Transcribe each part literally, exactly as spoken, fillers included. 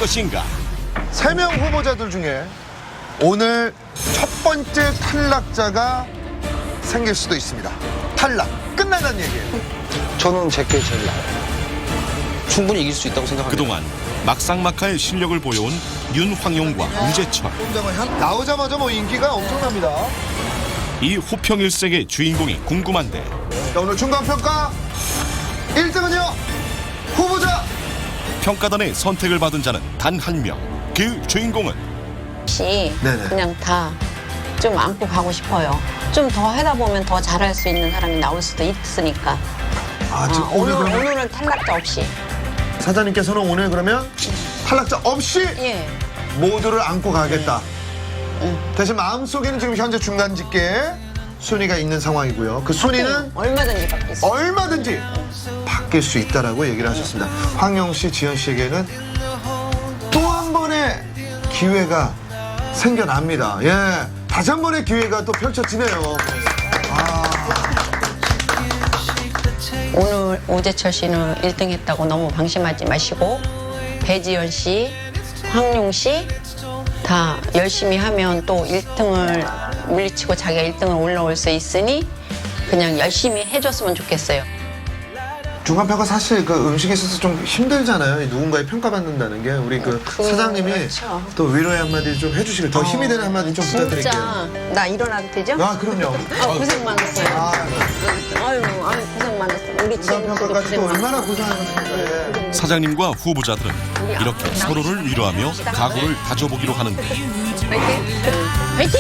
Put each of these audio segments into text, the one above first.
것인가? 세 명 후보자들 중에 오늘 첫 번째 탈락자가 생길 수도 있습니다. 탈락 끝나는 얘기예요. 저는 제게 제일 나아요. 충분히 이길 수 있다고 생각합니다. 그동안 막상막하의 실력을 보여온 윤황용과 우재철. 나오자마자 뭐 인기가 엄청납니다. 이 호평일색의 주인공이 궁금한데 자, 오늘 중간평가 일 등은요 후보자. 평가단의 선택을 받은 자는 단 한 명. 그 주인공은 혹시 네네. 그냥 다 좀 안고 가고 싶어요. 좀 더 하다 보면 더 잘할 수 있는 사람이 나올 수도 있으니까. 아, 아, 지금 오늘, 오늘 그러면 오늘은 탈락자 없이. 사장님께서는 오늘 그러면 탈락자 없이 예. 모두를 안고 가겠다. 응. 대신 마음속에는 지금 현재 중간 집계에 순위가 있는 상황이고요. 그 순위는 얼마든지 바뀔 수 있어요. 얼마든지 바뀔 수 있다라고 얘기를 하셨습니다. 황용 씨, 지연 씨에게는 또 한 번의 기회가 생겨납니다. 예, 다시 한 번의 기회가 또 펼쳐지네요. 아, 오늘 우재철 씨는 일 등 했다고 너무 방심하지 마시고 배지연 씨, 황용 씨 다 열심히 하면 또 일 등을 물리치고 자기가 일 등을 올라올 수 있으니 그냥 열심히 해줬으면 좋겠어요. 중간평가 사실 그 음식에 있어서 좀 힘들잖아요. 누군가의 평가받는다는 게 우리 그 그, 사장님이 그렇죠. 또 위로의 한마디 좀 해주시길 더 힘이 되는 한마디 좀 부탁드릴게요. 진짜 나 일어나도 되죠? 아, 그럼요. 아, 고생 많았어요. 아, 아유, 아유 고생 많았어. 우리 친구도 중간평가까지 고생 또 많았어. 얼마나 고생하셨습니까? 예. 사장님과 후보자들은 이렇게 서로를 위로하며 각오를 다져보기로 하는데 화이팅!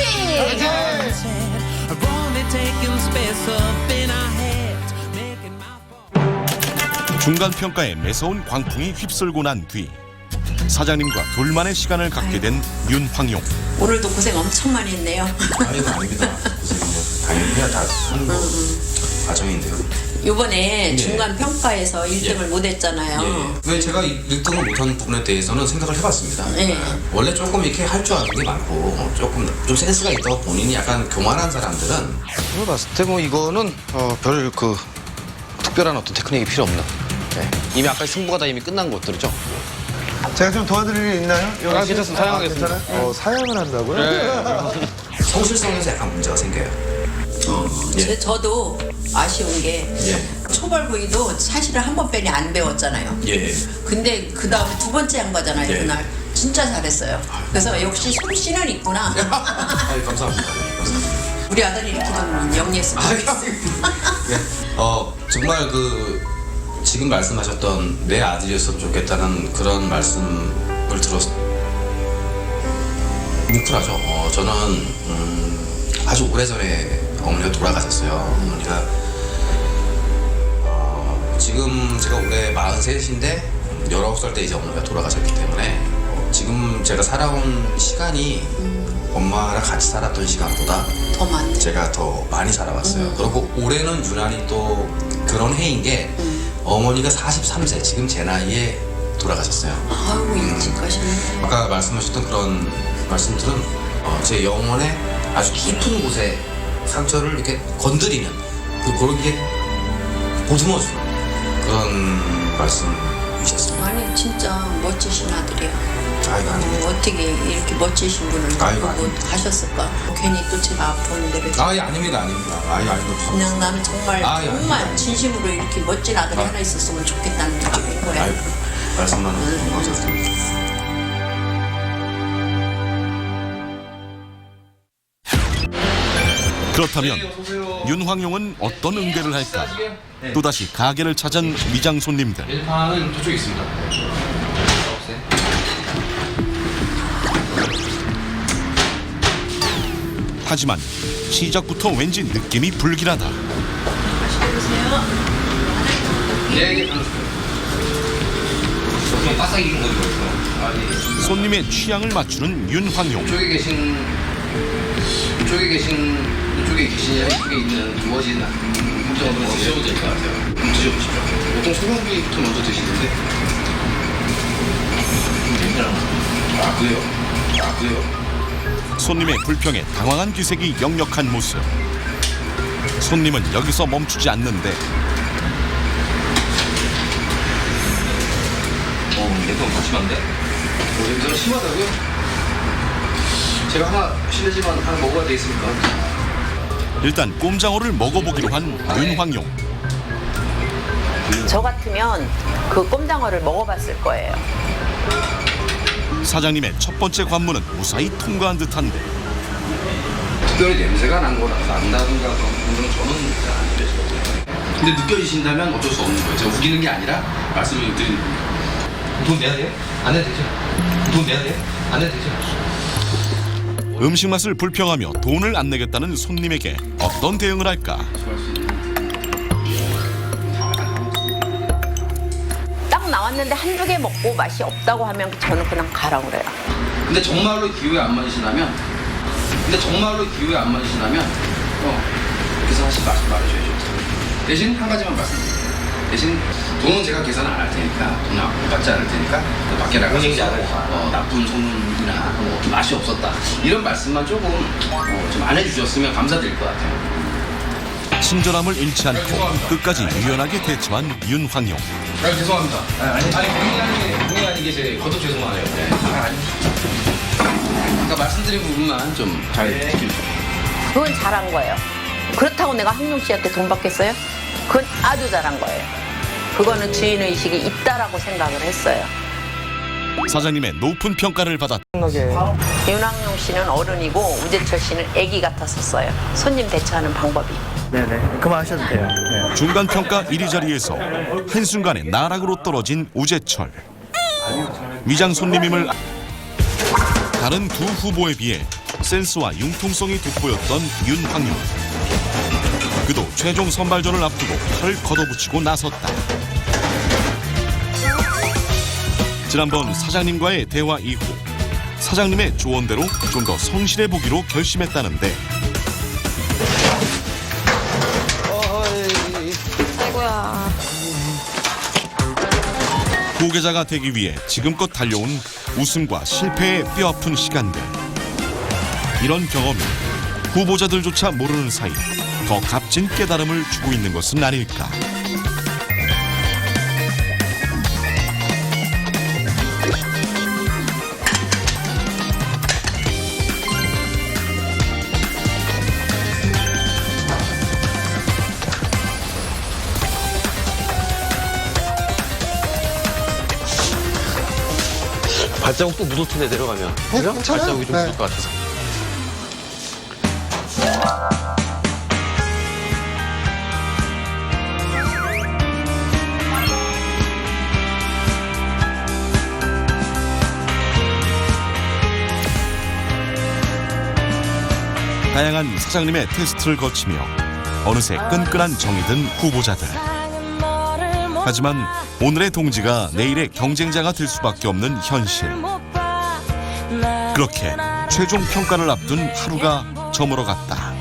중간평가에 매서운 광풍이 휩쓸고 난 뒤 사장님과 둘만의 시간을 갖게 된 윤황용. 오늘도 고생 엄청 많이 했네요. 아니요, 아닙니다. 고생은 당연히 해야 다 하는 거 과정인데요. 요번에 예. 중간 평가에서 일 등을 못 했잖아요. 예. 왜 제가 일 등을 못한 부분에 대해서는 생각을 해봤습니다. 예. 원래 조금 이렇게 할 줄 아는 게 많고 조금 좀 센스가 있다고 본인이 약간 교만한 사람들은 제가 봤을 때 뭐 이거는 어, 별 그 특별한 어떤 테크닉이 필요 없는. 네. 이미 아까 승부가 다 이미 끝난 것들이죠. 제가 좀 도와드릴 일 있나요? 여기 아, 씨? 괜찮습니다. 사양하겠습니다. 아, 괜찮아요? 어, 사양을 한다고요? 네. 성실성에서 약간 문제가 생겨요. 예. 제, 저도 아쉬운 게 예. 초벌 부위도 사실은 한 번 빼니 안 배웠잖아요. 예. 근데 그 다음에 두 번째 한 거잖아요. 예. 그날 진짜 잘했어요. 그래서 역시 솜씨는 있구나. 아유, 감사합니다. 감사합니다. 우리 아들이 이렇게 좀 영리했으면 좋겠어요. 네. 어, 정말 그 지금 말씀하셨던 내 아들이었으면 좋겠다는 그런 말씀을 들었 뭉클하죠. 어, 저는 음, 아주 오래전에 어머니가 돌아가셨어요. 어머니가 어, 지금 제가 올해 마흔셋인데 열아홉 살 때 이제 어머니가 돌아가셨기 때문에 어, 지금 제가 살아온 시간이 엄마랑 같이 살았던 시간보다 더 많네. 제가 더 많이 살아왔어요. 음. 그리고 올해는 유난히 또 그런 해인 게 음. 어머니가 사십삼 세, 지금 제 나이에 돌아가셨어요. 아이고 일찍 가셨네. 아까 말씀하셨던 그런 말씀들은 어, 제 영혼의 아주 깊은 곳에 상처를 이렇게 건드리는 그 그런 게 보듬어주는 그런 말씀이셨습니다. 아니 진짜 멋지신 아들이야. 아이고, 아닙니다. 어, 어떻게 이렇게 멋지신 분을 아이고, 보고 아닙니다. 하셨을까? 괜히 또 제가 아픈 데를 아, 예, 아닙니다, 아닙니다. 아, 예, 아닙니다. 그냥 나는 정말 아, 예, 정말 아닙니다. 진심으로 이렇게 멋진 아들이 아. 하나 있었으면 좋겠다는 느낌인 거야. 아이고, 말씀만 감사드립니다. 그렇다면 윤황용은 어떤 응대를 할까? 또다시 가게를 찾은 미장 손님들. 일판은 저쪽에 있습니다. 없어요? 하지만 시작부터 왠지 느낌이 불길하다. 예, 예, 알았어요. 좀 바싹 익은 거 이거 있어. 아, 예. 손님의 취향을 맞추는 윤황용. 이쪽에 계신, 이쪽에 계신, 이쪽에 계신, 이쪽에 있는 두어진 한번 한번 드셔도 될 것 같아요. 한번 드셔보시죠. 보통 소고기부터 먼저 드시는데. 아, 그래요? 아, 그래요? 손님의 불평에 당황한 기색이 역력한 모습. 손님은 여기서 멈추지 않는데 어, 내거 마시면 안 돼? 냄새가 심하다고요? 제가 하나 실례지만 하나 먹어야 되겠습니까? 일단 꼼장어를 먹어보기로 한 윤황용. 저 같으면 그 꼼장어를 먹어봤을 거예요. 사장님의 첫 번째 관문은 무사히 통과한 듯한데 특별히 냄새가 난 거라 난다든가 그런 건 저는 잘안 느껴지거든요. 근데 느껴지신다면 어쩔 수 없는 거예요. 제가 우기는 게 아니라 말씀을 드린 돈 내야 돼요? 안 내도 되죠? 돈 내야 돼요? 안 내도 되죠? 음식 맛을 불평하며 돈을 안 내겠다는 손님에게 어떤 대응을 할까? 딱 나왔는데 한두 개 먹고 맛이 없다고 하면 저는 그냥 가라고 그래요. 근데 정말로 기호에 안 맞으시다면 근데 정말로 기호에 안 맞으시다면 어, 그래서 하시 말씀 말해줘야죠. 대신 한 가지만 말씀드릴게요. 대신 돈은 제가 계산 안 할 테니까 돈 안 받지 않을 테니까 또 밖에 나가서 어, 나쁜 소문이나 뭐 맛이 없었다 이런 말씀만 조금 어, 좀 안 해주셨으면 감사드릴 것 같아요. 친절함을 잃지 않고 끝까지 유연하게 대처한 윤황용. 아, 죄송합니다. 아니, 아니, 본의 아니게, 본의 아니게 제 거듭 죄송하네요. 네. 아, 아니. 아까 말씀드린 부분만 좀 잘 지켜주세요. 그건 잘한 거예요. 그렇다고 내가 황용 씨한테 돈 받겠어요? 그건 아주 잘한 거예요. 그거는 주인의식이 있다라고 생각을 했어요. 사장님의 높은 평가를 받았. 윤황용 씨는 어른이고 우재철 씨는 아기 같았었어요. 손님 대처하는 방법이. 네네, 그만하셔도 돼요. 네. 중간 평가 일 위 자리에서 한순간에 나락으로 떨어진 우재철. 위장 손님임을 아- 다른 두 후보에 비해 센스와 융통성이 돋보였던 윤황용. 그도 최종 선발전을 앞두고 팔을 걷어붙이고 나섰다. 지난번 사장님과의 대화 이후 사장님의 조언대로 좀 더 성실해 보기로 결심했다는데 아이고야. 후계자가 되기 위해 지금껏 달려온 웃음과 실패의 뼈아픈 시간들. 이런 경험이 후보자들조차 모르는 사이 더 값진 깨달음을 주고 있는 것은 아닐까. 발자국 또 묻을 텐데 내려가면. 그죠? 발자국이 좀 묻을 것 같아서. 다양한 사장님의 테스트를 거치며 어느새 끈끈한 정이 든 후보자들. 하지만 오늘의 동지가 내일의 경쟁자가 될 수밖에 없는 현실. 그렇게 최종 평가를 앞둔 하루가 저물어갔다.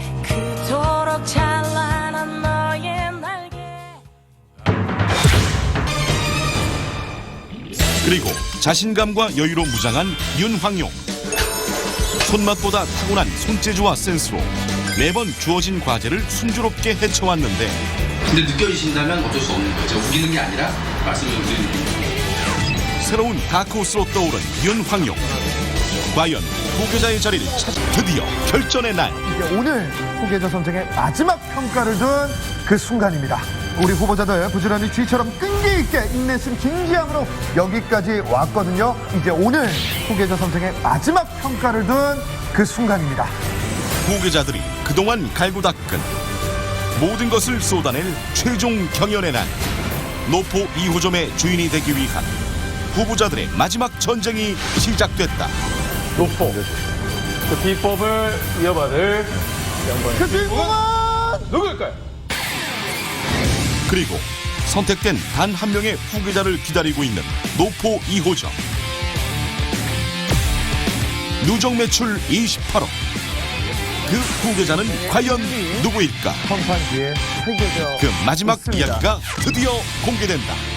그리고 자신감과 여유로 무장한 윤황용. 손맛보다 타고난 손재주와 센스로 매번 주어진 과제를 순조롭게 헤쳐왔는데 근데 느껴지신다면 어쩔 수 없는 거예요. 제가 우기는 게 아니라 말씀을 드린 거예요. 새로운 다크호스로 떠오른 윤황용. 과연 후계자의 자리를 찾아 드디어 결전의 날. 이제 오늘 후계자 선정의 마지막 평가를 둔 그 순간입니다. 우리 후보자들 부지런히 쥐처럼 끈기 있게 인내심 진지함으로 여기까지 왔거든요. 이제 오늘 후계자 선정의 마지막 평가를 둔 그 순간입니다. 후계자들이 그동안 갈고 닦은 모든 것을 쏟아낼 최종 경연의 날. 노포 이 호점의 주인이 되기 위한 후보자들의 마지막 전쟁이 시작됐다. 노포. 그 비법을 이어받을 그 주인공은 누구일까요? 그리고 선택된 단 한 명의 후계자를 기다리고 있는 노포 이 호점. 누적 매출 이십팔억. 그 후계자는 과연 누구일까? 선판기에 새겨져 그 마지막 있습니다. 이야기가 드디어 공개된다.